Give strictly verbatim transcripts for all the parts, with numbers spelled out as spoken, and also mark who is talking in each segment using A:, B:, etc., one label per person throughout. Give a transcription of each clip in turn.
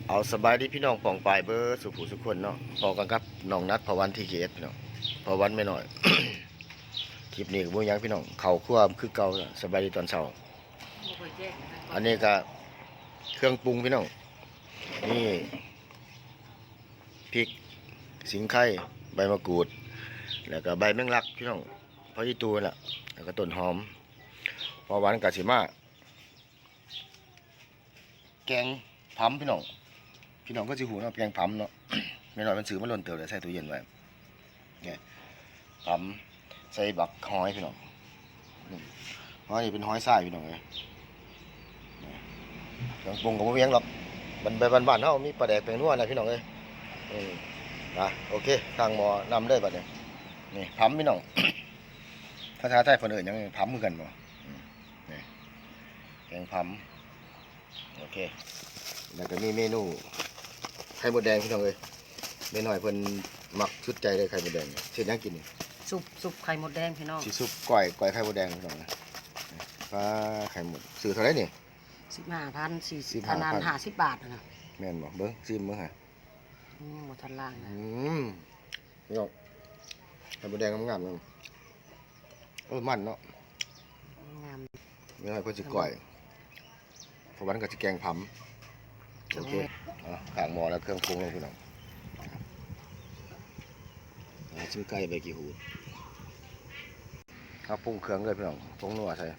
A: เอาสบายดีพี่น้องป่องปลายเบอร์สุขุสุขคนเนาะพอกันครับน้องนัดพอวันที่เกตพี่น้องพอวันไม่หน่อย คลิปนี้ก็บ่ยังพี่น้องเข่าคั่วคือเก่าสบายดีตอนเช้าอันนี้ก็เครื่องปรุงพี่น้องนี่พริกสิงไข่ใบมะกรูดแล้วก็ใบแมงลักพี่น้องพอยี่ตูนล่ะแล้วก็ต้นหอมพอวันกะสิมาแกงพัมพี่น้องพี่น้องก็สิหูเนาะแกงพัมเนาะ ไม่น้อยมันซื้อมาล้นเติบเลยใส่ตู้เย็นไว้เนี่ยพัมใส่บักหอยพี่น้องหอยนี่เป็นหอยทรายพี่น้องเลยเครื่องปรุงก็บ่มีหยังหรอกมันไปบ้านๆเฮามีปลาแดกแป้งนัวนะพี่น้องเอ้ยอืมนะโอเคทางหมอนำเลยบัดนี้นี่พัมพี่น้อง ภาษาไทยเพิ่นเอิ้นหยังพัมคือกันบ่นี่แกงพัมโอเคแล้วก็มีเมนูไข่มดแดงพี่น้องเอ้ยเมนูให้เพิ่นมักชุดใจเลยไข่มดแดงเฮ็ดหยังกินนี่
B: ซุปซุปไข่มดแดงพี่น้อง
A: สิซุปก้อยก้อยไข่มดแดงพี่น้องนะปลาไข่มดซื้อเท่าไหร่นี่
B: สิบห้าพันสี่สิบ
A: ห้าพัน
B: นานห้าสิบบาทนะ
A: แม่นบ่เบิ่งซิมเบิ่งฮะ
B: อืมหมดทันล่างนะ
A: อืมพี่น้องไข่มดแดงงามๆเนาะเออมันเนาะ
B: งาม
A: ไม่ให้เพิ่นสิก้อยเพราะวันก็สิแกงผํโอเคอ่ะข้างหม้อแล้วเครื่องปรุงลงพี่น้องอ่าชิ้นไก่ใบกี่หูเอาปรุงเครื่องเลยพี่น้องปรุงนัวใส่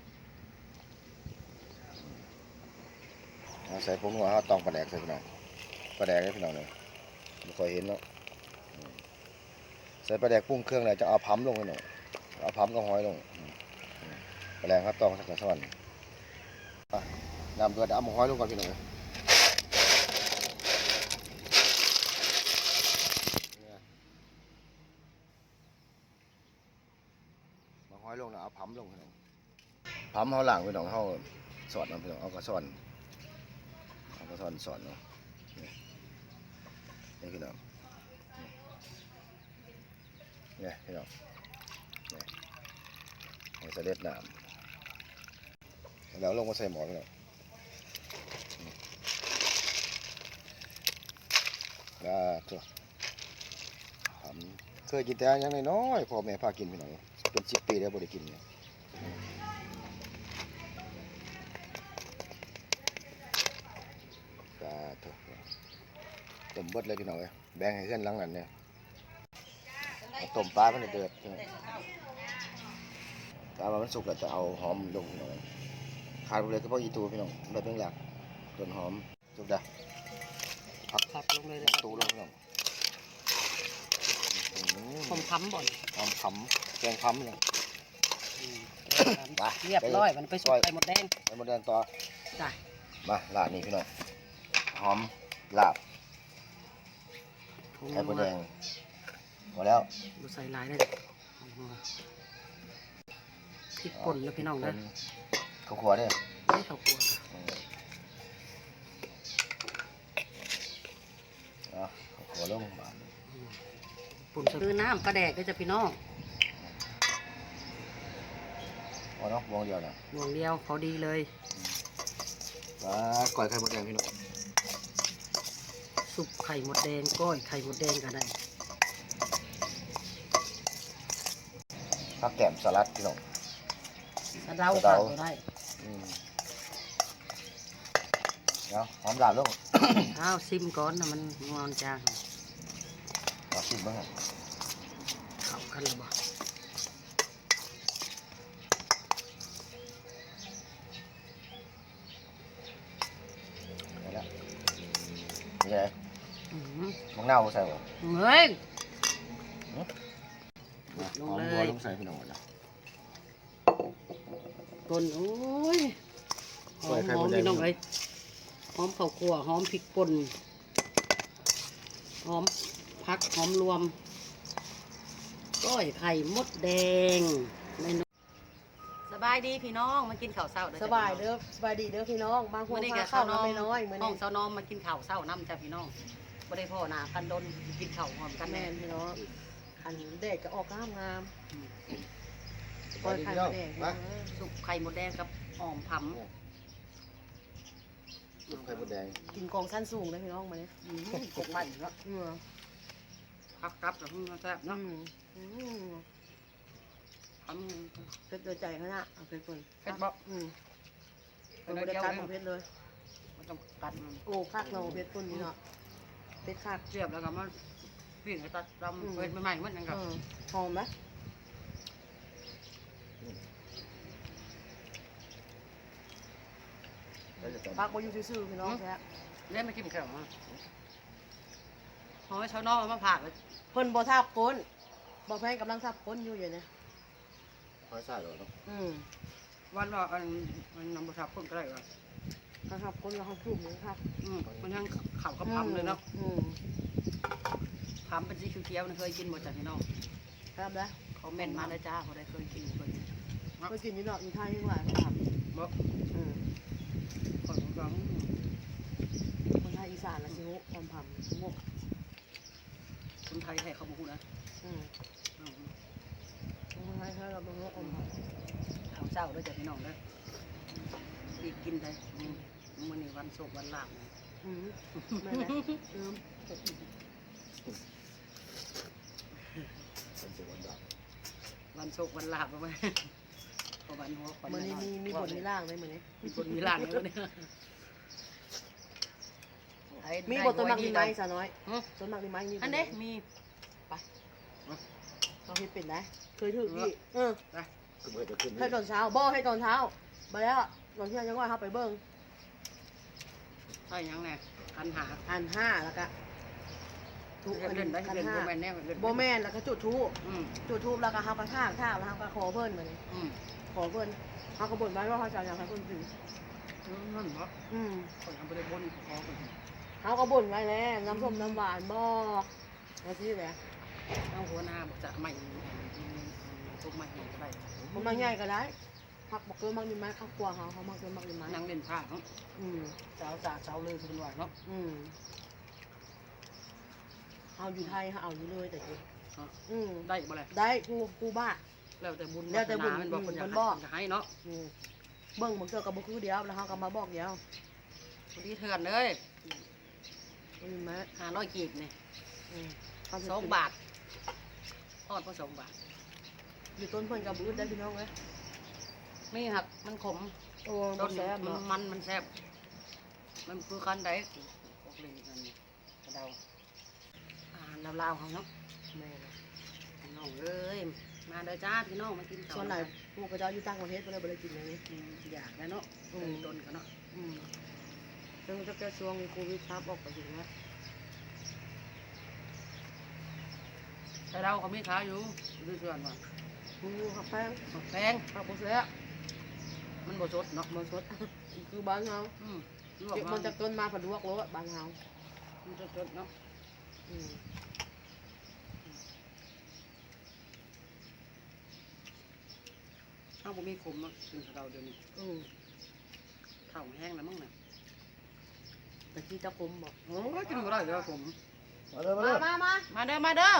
A: เอาใส่ปรุงนัวเอาตองปลาแดกใส่พี่น้องปลาแดกให้พี่น้องเลยไม่ค่อยเห็นเนาะใส่ปลาแดกปรุงเครื่องเลยจะเอาพัมลงพี่น้องเอาพัมกับหอยลงปลาแดกครับตองสักกระส่อนน้ำเดือดเอาหมูหอยลงก่อนพี่น้องหอยลงนะเอาพัมลงพี่น้องพัมเขาหลังพี่น้องเขาสอดน้ำพี่น้องเอากระสอนเอากระสอนสอนเนาะนี่พี่น้องนี่พี่น้องนี่ให้เสด็จน้ำแล้วลงมาใส่หม้อพี่น้องอ่าตัวพัมเคยกินแต่ยังน้อยๆพ่อแม่พากินพี่น้องเป็นสิบปีแล้วบ่ได้กินเนี่ยก็ถูกต้มเบิดเลยพี่น้องเอ้ยแบ่งให้เพื่อนหลังนั้นเนี่ยต้มปลาเพิ่นเดือดปลามันสุกแล้วจะเอาหอมลงพี่น้องขาดไปเลยก็เพราะอีตูพี่น้องใบเพิ่งหลักต้นหอมสุกดะผัก
B: ผักลงเลยเลย
A: ตูลงพี่น้อง
B: ผมค้ำบ่อน
A: หอมขำแกงขำเนี่ย
B: เรียบร้อยมันไปสุกไข่มดแดง
A: ไข่มดแดงต่อ
B: จ้ะ
A: มาลาบนี่พี่น้องหอมลาบไข่มดแดงหมดแล้ว
B: ดูใส่ลายได้พริกป่นแล้วพี่น้องนะ
A: ข้าวคั่วเนี่ย
B: ไม่ข้าวคั่ว
A: อ่ะข้าวคั่วลงมา
B: ปุ่นคือน้ำปลาแดกก็จะพี่น้อง
A: พอเนาะวงเดียวนะ
B: วงเดียวพอดีเลย
A: ปลาก้อยไข่มดแดงพี่น้อง
B: สุกไข่มดแดงก้อยไข่มดแดงกันได้
A: ผักแก้มสลัดพี่น้อง
B: สะเดาขาดก็ได้
A: เนาะหอมลาบลง
B: อ้าวซิมก่อนนะมันงอนจาง
A: มาชิมบ้างครับ
B: เข้ากันหรือเปล่า
A: นี่แหละนี่ไงมังนาวใส่บ่
B: เฮ้ยลงเลย
A: ลงใส่พี่น้องนะ
B: ต้นโอ้ยหอมหอมพี่น้องเอ้ยหอมข้าวคั่วหอมพริกป่นหอมผักหอมรวมก้อยไข่มดแดงเมนูสบายดีพี่น้องมากินข้าวเช้า
C: สบายเด้อสบายดีเด้อพี่น้องบางคนมาข้าวน้อยน้อยเหมือน
B: ห้องเช้าน้องมากินข้าวเช้าน้ำจ้ะพี่น้องบ่ได้พ่อหน้ากันดนกินข้าวหอมกัน
C: แม่พี่น้องอันเด็กก็ออกงามงาม
A: ก้อยไข่มดแดง
B: สุกไข่มดแดงกับหอมผำ
A: ซุปไข่มดแดง
C: กินกองสั้นสูงเลยพี่น้องมาเนี่ย
B: อืมกบมันเนาะ
C: เออ
B: พักกับแล้วมันแซ่บ
C: อื
B: เนาะ
C: มอืม
B: ทำ
C: เพชรโดยใจเขาน่ะเอาเพชรคน
B: เผ็ดบ่
C: อืมเป็นบริการของเพชรเลย
B: มันต้องกัดมัน
C: โอ้คักเราเพชรคนนี่เนาะเพชรคัก
B: เสียบแล้วก็มาปิ้งให้ตัดดำเผ็ดใหม่ๆมันยังกับ
C: เออหอมไหมพักมาอยู่ซื่อๆพี่น้องแท้
B: เล่นมากินแค่มาเอาไว้ชาวน้องเอามาผ่าเลย
C: เพิ่นบ่ทาบก้นบ่แพงกำลังทาบก้นอยู่อยู่เนี่ย
A: หอยซ่าเหรอเนาะ
C: อืม
B: วันว่าอันมันนำบทับคนก็ได้ว่า
C: เขาทาบก้นแล้วเขาทุ่มเลยครับ
B: อืมมันทั้งข่าวกับพำเลยเนาะ
C: อืม
B: พำเป็นสีเขียวๆนะเคยกินหมดจากพี่น้อง
C: ครับแล้ว
B: เขาเม่นมาแล้วจ้าเขาได้เคยกินเคยกิน
C: ก็กินอยู่เนาะอยู่ไทยยังหลายเขาท
B: บอก
C: ำอืม
B: คนฟัง
C: คนไทยอีสานละสิฮุความพำงก
B: คนไทยให้เขาบอกนะ
C: อืมคนไทยเขาเราเป็นงกความพำ
B: เขาเศร้าด้วยจากพี่น้องเลยดีกินเลยมันนี่วันโศกวันลาบ
C: อืมไม่ไหมอืม
A: เป็นตัวด
B: วันโศกวันลาบไปพอวันหัว
C: มันนี่มีมีบทมีร่างเลยเหมือนนี้
B: มีบทมีล่างเลยเนี่ย
C: มีบทต้นมักมีไม้สาวน้อยต้นมักมีไม้มี
B: อันเด้มี
C: เราคิดเป็นได้เคยถือพี่เออ
A: ำคือเมื่อจะขึ้น
C: ให้ตอนเช้าบ่ให้ตอนเช้าไปแล้วตอนเที่ยงยังว่าเขาไปเบิ้ง
B: ใช่ยังไงคันหา
C: อันห้าแล้วก็ทุกอัน
B: เล่นได้
C: อัน
B: เล่น
C: ห้า
B: โบแมนแน่เล่น
C: โบแมนแล้วก็จุดทูบ
B: อืม
C: จุดทูบแล้วก็เขาก็ท่างท่าแล้วเขาก็ขอเพิ่นมาเลย
B: อืม
C: ขอเพิ่นเขาก็บ่นไว้ว่าเขาจะอยากให้เพิ่นถือ
B: นั่นเพราะ
C: อืม
B: คนทำไปได้บนคอคน
C: เขาก็บ่นไว้แล้วน้ำส้มน้ำหวานบ่มาสิแหละ
B: เอาหัวหน้าบอกจะไม่ทุกไม่เห็นก็ได้
C: มันมาง่ายก็ได้ผักบอกเกินมักมีไม้ข้าวกลัวเขาเขามักเกินมักมีไม้
B: นั่งเล่นผ้าเนาะ
C: อืม
B: สาวสาวสาวเลยคุณว่าเนาะ
C: อืมเอาอยู่ไทยเขาเอาอยู่เลยแต่กูอืม
B: ได้บ่เลย
C: ได้กูกูบ้า
B: แล้วแต่บุญ
C: แล้วแต่บุญ
B: มันบอกคนอยาก
C: มันบอก
B: จะให้เนาะ
C: อืมเบิ่งมันเกี่ยวกับบุคือเดียวแล้วเขาก็มาบอกเดียว
B: ดีเถื่อนเลย
C: มันมีไม้
B: ห้าร้อยกีบนี่
C: อืมเขสิ
B: สองบาททอดก็สองบาท
C: อยู่ต้นเพิ่นกับบุได้พี่น้องเว้ย
B: ไม่หักมันขม
C: โอ้
B: ต้
C: บ่
B: น
C: แซ่บ
B: มัน
C: เนาะ
B: มันมันแซ่บมันคือคันใดพวกลิงกันกระเดาอาหารลาวๆเขาเนาะ
C: แม่นะ
B: พี่น้องเอ้ยมาเด้อจ้าพี่น้องมากินข้าว
C: ส่วนไหนพวกกระเจ้าอยู่ต่างประเทศบ่ได้บ่ได้กินอย่างนี้
B: อืมอยากได้เนาะ
C: อืม
B: เป็นต้นกันเนาะ
C: อืมซึ่งจะแก้ช่วงโควิดครับออกไปถึงนะ
B: แต่เราเขาไม่ขายอยู่ดูส่วนว่า
C: มีอยู่ครับแป้ง
B: แพง
C: ข้าวบ่แซ่บ
B: มันบ่สดเนาะ
C: บ่สด คือบ้านเฮา
B: อืม
C: เก็บมันจากต้นมาผัดลวกโลดบ้านเฮา
B: มันสดๆเนาะ
C: อืม
B: ถ้าบ่มีขมเนาะกินกับเราเดี๋ยวนี้
C: อืม
B: ข้าวแห้งแล้วมั้งน่ะ
C: แต่ที่ตะคมบอก
B: โอ้ยกินบ่ได้เด้อผม
A: มาเลยมาเล
C: มาย มามา
B: มาเด้อมาเด้อ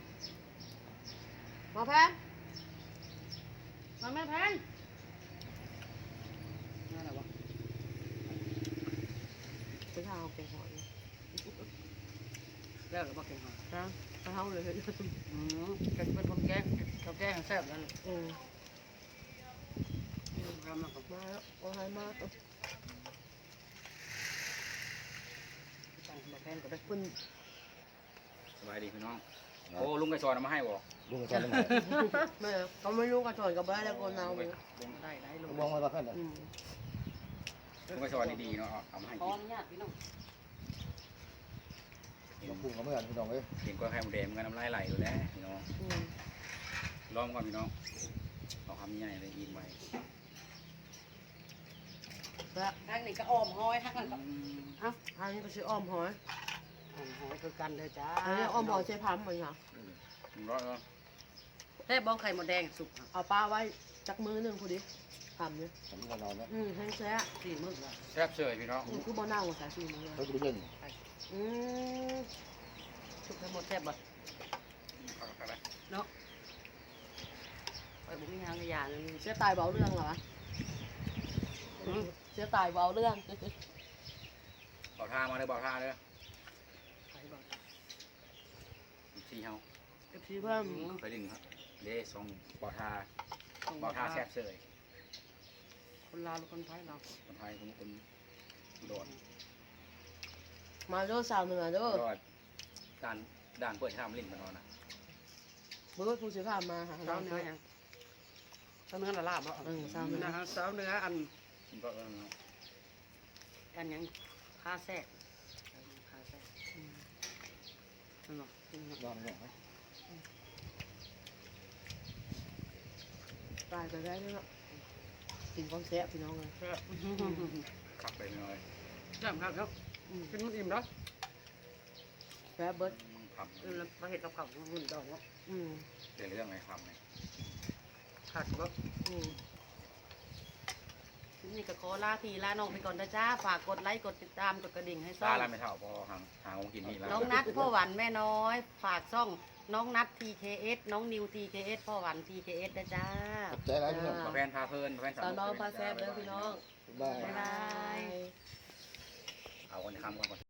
C: มาแพน
B: มาแม่แพนนั่นแหละวะ
C: ไปทางเอาแกงหอย
B: แล้วหรือว่าเก่งหอย
C: นะไปเฮาเลย
B: อืมแกเป็นคนแกงเขาแกงแซ่บแล้วนี่
C: อืม
B: ทำมากับ
C: มาแล้วโอ้ยมาเออ
B: ตั้งมาแพนก็ได้
C: คุณ
D: สบายดีพี่น้อง โอ้ลุงไก่ซอนเอามาให้บ่
A: ลุงกันได้ไหม
C: แม่เขาไม่รู้กระถอนกับบ้านแล้วคนเอาเลย
B: ได้ได้ล
A: ลุ
B: ง
A: งมองมาเพื่อนเลย
C: อืม
D: ลุงไก่ซอนดีๆเนาะเอาเอามาให้
B: พร้
D: กิ
B: อน มญาติพี่น้อง
D: กิน
A: ลุงปรุงกับเพื่อนพี่น้องเอ้ย
D: กินกล้วยไข่หมูแดงมันก็น้ำลายไหลอยู่แล้วพี่น้อง
C: อืม
D: ลองก่อนพี่น้องเอาคำใหญ่เลยอินไว้
C: แล้ว
B: ทางนี้ก็อ้อมห้อยทางนั้นก็
D: อืม
C: อ่ะอันนี้ก็ชื่ออ้อมหอย
B: อ้อมห้อยคือกันเลยจ้า
C: อันนี้อ้อมหอยใช้พัมเหมือนกัน
D: หนึ่งร้อยเนาะ
B: แซ่บบ้องไข่หมดแดงสุก
C: เอาปลาไว้จักมือหนึ่งพอดีทำเนี่ย
A: ผมก็นอนนะ
C: อืมแห้งแซ่
B: สี่มื้อละ
D: แซ่บเฉยพี่น้อง
C: อืมคือบ่อหน้าหัวสายสีมือ
A: เขาจะเย็น
C: อืม
B: สุกให้หมดแซ่บบ่
D: เอาเข้าไป
B: เนาะไปบุกมีทางกระยานเลย
C: เสียตายเบาเรื่องเหรอวะ
B: อืม
C: เสียตายเบาเรื่อง
D: บ่าวท่ามาเลยบ่าวท่าเลย
B: ใครบอก
D: ซีเฮา
C: เอฟซีเพิ่ม
D: ไปดึงครับเด้ส่งบ่าวท่าบ่าวท่าแซ่บเสย
B: คนลาวหรือคนไทยเรา
D: คนไทยคนคนโดน
C: มาโดสาวเหนือเด้อ
D: ก็ด่านด่านเปิดห้ามลิ้นมานอนนะ
C: เบิร์ดผู้สื่อข่าวมาหา
B: สา
C: เรา
B: วเนื้อ
C: เนาะ
B: ยังสาวเนื้อละลาบอ่ะ
C: เออสาวเหนือ
B: นะฮะสาวเนื้ออัน
D: มันก็เออ
B: อันยังผ้าแทรกผ้าแทรกนั่นหรอ
D: ลองลองไหม
C: ตายไปได้เนาะกินความแซ่บพี่น้องเลย
D: ขับไปหน่อย
B: จำครับครับกินมันอิ่มแล้ว
C: แซ่บเบิร์ด
D: ขับ
B: เออมาเห็ดกับข้าวหุ่นดอกเนาะ
C: อืม
D: เรื่องเรื่องไงขับไง
B: ขาดก็
C: อืม
B: นี่ก็ขอลาพี่ลาน้องไปก่อนนะจ้าฝากกดไลค์กดติดตามกดกระดิ่งให้ซ่
D: ตา
B: อง
D: ลาไม่เท่าพอหางหางกินนี่แล้ว
B: น้องนัดพ่อหวันแม่น้อย ฝากซ่องน้องนัด ที เค เอส น้องนิว ที เค เอส พ่อหวัน ที เค เอส นะจ้า
A: ขอบใจหลายพี่น้อง
D: มาแฟนพาเพลินมาแฟน
C: สาวน้องพาแซ่บเด้อพี่น้อง
A: บ๊ายบาย
B: บ๊ายบาย
D: เอาคนทำก่อน